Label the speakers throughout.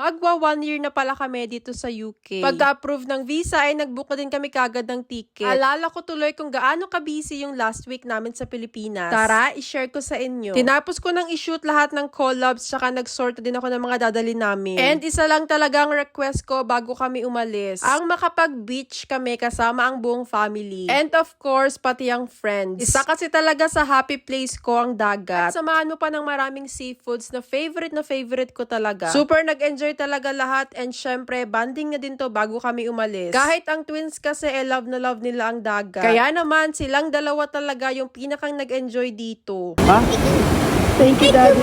Speaker 1: Magwa 1 year na pala kami dito sa UK. Pagka-approve ng visa ay nag-book na din kami kagad ng ticket. Alala ko tuloy kung gaano ka-busy yung last week namin sa Pilipinas. Tara, i-share ko sa inyo. Tinapos ko nang i-shoot lahat ng collabs tsaka nag-sort din ako ng mga dadali namin. And isa lang talagang request ko bago kami umalis. Ang makapag-beach kami kasama ang buong family. And of course, pati ang friends. Isa kasi talaga sa happy place ko ang dagat. At samahan mo pa ng maraming seafoods na favorite ko talaga. Super nag-enjoy talaga lahat and syempre, banding na din to bago kami umalis. Kahit ang twins kasi love na love nila ang dagat. Kaya naman, silang dalawa talaga yung pinakang nag-enjoy dito.
Speaker 2: Ha? Thank you, Daddy.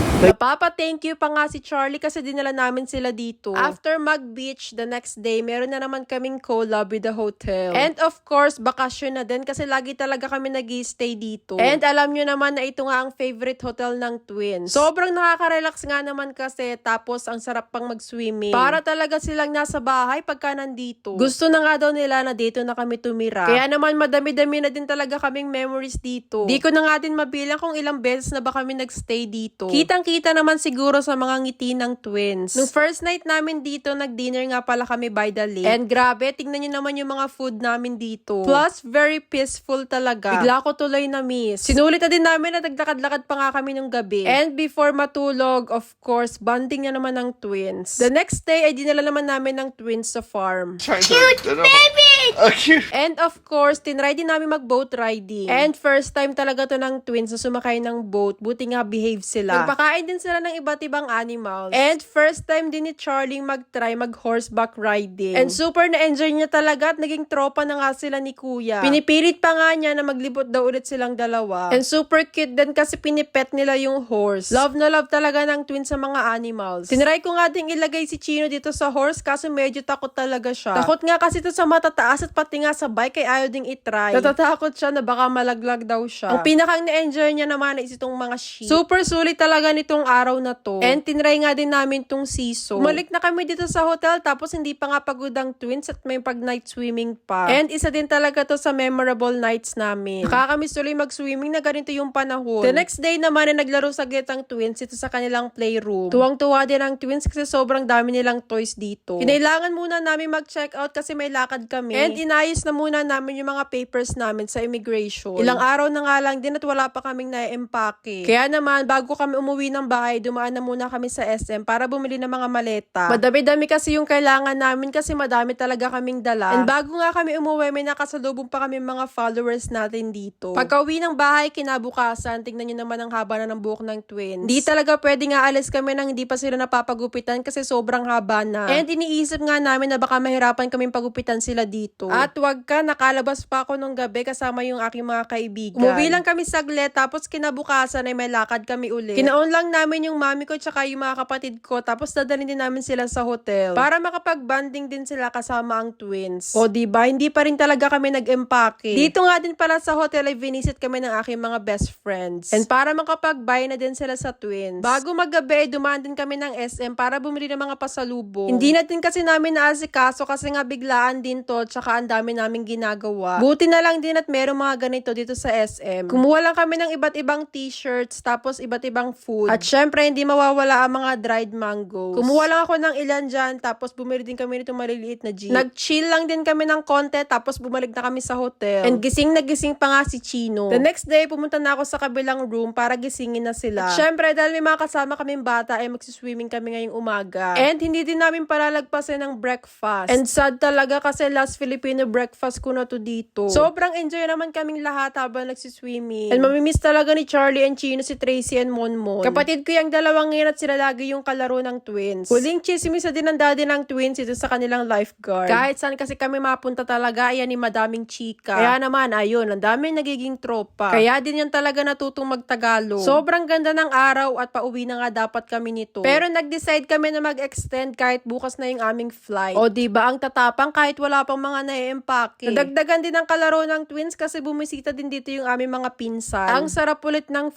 Speaker 1: Thank you pa nga si Charlie kasi dinala namin sila dito. After mag-beach, the next day, meron na naman kaming collab with the hotel. And of course, bakasyon na din kasi lagi talaga kami nag-i-stay dito. And alam nyo naman na ito nga ang favorite hotel ng twins. Sobrang nakaka-relax nga naman kasi tapos ang sarap pang mag-swimming. Para talaga silang nasa bahay pagka nandito. Gusto na nga daw nila na dito na kami tumira. Kaya naman madami-dami na din talaga kaming memories dito. Di ko na nga din mabilang kung ilang beses na ba kami nag-stay dito. Kitang-kita naman siguro sa mga ngiti ng twins. Nung first night namin dito, nag-dinner nga pala kami by the lake. And grabe, tingnan nyo naman yung mga food namin dito. Plus, very peaceful talaga. Bigla ko tuloy na miss. Sinulit na din namin na naglakad-lakad pa nga kami nung gabi. And before matulog, of course, bonding na naman ng twins. The next day, ay dinala naman namin ng twins sa farm.
Speaker 2: Cute baby! Cute!
Speaker 1: And of course, tinry din namin mag-boat riding. And first time talaga to ng twins na sumakay ng boat. Buti nga behave sila. Nagpakain din sila ng iba't ibang animals. And first time din ni Charlie mag-try mag-horseback riding. And super na-enjoy niya talaga at naging tropa na nga sila ni Kuya. Pinipilit pa nga niya na maglibot daw ulit silang dalawa. And super cute din kasi pinipet nila yung horse. Love na love talaga ng twins sa mga animals. Tinry ko nga ding ilagay si Chino dito sa horse kaso medyo takot talaga siya. Takot nga kasi ito sa matataas at pati nga sa bike kaya ayaw ding itry. Natatakot siya na baka malaglag daw siya. Ang pinakang na-enjoy niya naman is itong mga sheep. Super sulit talaga nitong araw na to. And tinry nga din namin tong siso. Umalik na kami dito sa hotel tapos hindi pa nga pagod ang twins at may pag-night swimming pa. And isa din talaga to sa memorable nights namin. Nakakamiss tuloy mag-swimming na ganito yung panahon. The next day naman na naglaro saglit ang twins ito sa kanilang playroom. Tuwang-tuwa din ang twins kasi sobrang dami nilang toys dito. Kinailangan muna namin mag-check out kasi may lakad kami. And inayos na muna namin yung mga papers namin sa immigration. Ilang araw na nga lang din at wala pa kaming na-empake. Kaya naman, bago kami umuwi ng bahay, dumaan na muna kami sa SM para bumili ng mga maleta. Madami-dami kasi yung kailangan namin kasi madami talaga kaming dala. And bago nga kami umuwi, may nakasalubong pa kami mga followers natin dito. Pagka-uwi ng bahay, kinabukasan, tingnan nyo naman ang haba na ng buhok ng twins. Hindi talaga pwede nga alis kami nang hindi pa sila napapagupitan kasi sobrang haba na. And iniisip nga namin na baka mahirapan kaming pagupitan sila dito. At wag ka, nakalabas pa ako nung gabi kasama yung aking mga kaibigan. Umuwi lang kami saglit tapos kinabukasan ay may lakad kami ulit. Kinaon lang namin yung mami ko tsaka yung mga kapatid ko tapos dadalhin din namin sila sa hotel para makapag-banding din sila kasama ang twins. O diba, hindi pa rin talaga kami nag-empake. Dito nga din pala sa hotel ay visit kami ng aking mga best friends. And para makapag-buy na din sila sa twins. Bago maggabi, dumaan din kami ng SM para bumili ng mga pasalubong. Hindi na din kasi namin naasikaso kasi nga biglaan din to tsaka ang dami namin ginagawa. Buti na lang din at merong mga ganito dito sa SM. Kumuha lang kami ng iba't ibang t-shirts tapos iba't ibang food. At syempre, hindi mawawala ang mga dried mangoes. Kumuha lang ako ng ilan dyan tapos bumili din kami nitong maliliit na jeep. Nag-chill lang din kami ng konti tapos bumalik na kami sa hotel. And gising na gising pa nga si Chino. The next day, pumunta na ako sa kabilang room para gisingin na sila. At syempre, dahil may mga kasama kaming bata ay magsiswimming kami ngayong umaga. And hindi din namin palalagpasin ng breakfast. And sad talaga kasi last Filipino breakfast ko na to dito. Sobrang enjoy naman kaming lahat habang nagsiswimming. And mamimiss talaga ni Charlie and Chino si Tracy and Monmon. Kapatid ko yung dalawang ngayon at sila lagi yung kalaro ng twins. Huling chismis na din ang daddy ng twins ito sa kanilang lifeguard. Kahit saan kasi kami mapunta talaga, ayan ni madaming chika. Kaya naman, ayun, ang daming nagiging tropa. Kaya din yan talaga natutong magtagalog. Sobrang ganda ng araw at pauwi na nga dapat kami nito. Pero nag-decide kami na mag-extend kahit bukas na yung aming flight. O diba, ang tatapang kahit wala pang mga na-empake. Nadagdagan din ang kalaro ng twins kasi bumisita din dito yung aming mga pinsan. Ang sarap ulit ng food tapos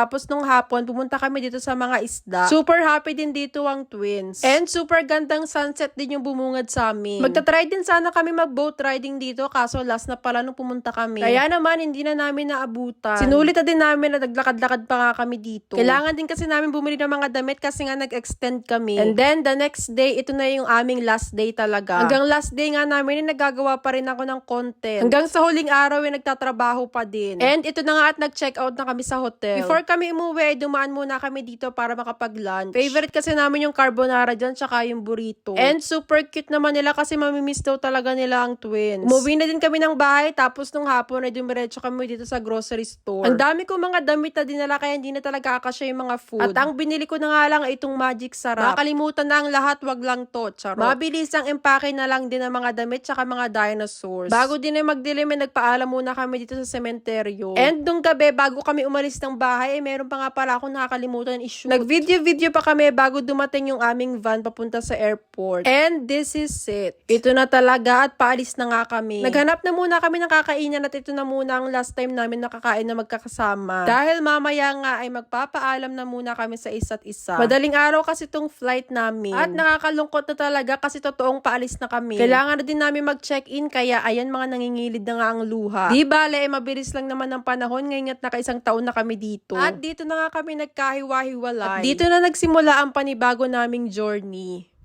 Speaker 1: Tapos nung hapon, pumunta kami dito sa mga isda. Super happy din dito ang twins. And super gandang sunset din yung bumungad sa amin. Magta-try din sana kami mag-boat riding dito, kaso last na pala nung pumunta kami. Kaya naman, hindi na namin naabutan. Sinulit na din namin na naglakad-lakad pa nga kami dito. Kailangan din kasi namin bumili ng mga damit kasi nga nag-extend kami. And then, the next day, ito na yung aming last day talaga. Hanggang last day nga namin, nagagawa pa rin ako ng content. Hanggang sa huling araw, nagtatrabaho pa din. And ito na nga at nag-check out na kami sa hotel. Before kami umuwi, dumaan muna kami dito para makapag-lunch. Favorite kasi namin yung carbonara dyan, tsaka yung burrito. And super cute naman nila kasi mamimiss daw talaga nila ang twins. Umuwi na din kami ng bahay, tapos nung hapon ay dumiretso kami dito sa grocery store. Ang dami ko mga damit na dinala kaya hindi na talaga akasya yung mga food. At ang binili ko na nga lang ay itong Magic Sarap. Nakalimutan na ang lahat, wag lang to. Charot. Mabilis ang empake na lang din ng mga damit tsaka mga dinosaurs. Bago din ay magdilim, nagpaalam muna kami dito sa sementeryo. And nung gabi, bago kami umalis ng bahay, ay meron pa nga pala akong nakakalimutan i-shoot. Nag-video pa kami bago dumating yung aming van papunta sa airport. And this is it. Ito na talaga at paalis na nga kami. Naghanap na muna kami ng kakainan at ito na muna ang last time namin nakakain na magkakasama. Dahil mamaya nga ay magpapaalam na muna kami sa isa't isa. Madaling araw kasi tong flight namin. At nakakalungkot na talaga kasi totoong paalis na kami. Kailangan na din namin mag-check-in kaya ayan mga nangingilid na nga ang luha. Di bale, mabilis lang naman ang panahon ngayon at nakaisang taon na kami dito. At dito na nga kami nagkahiwa-hiwalay. At dito na nagsimula ang panibago naming journey.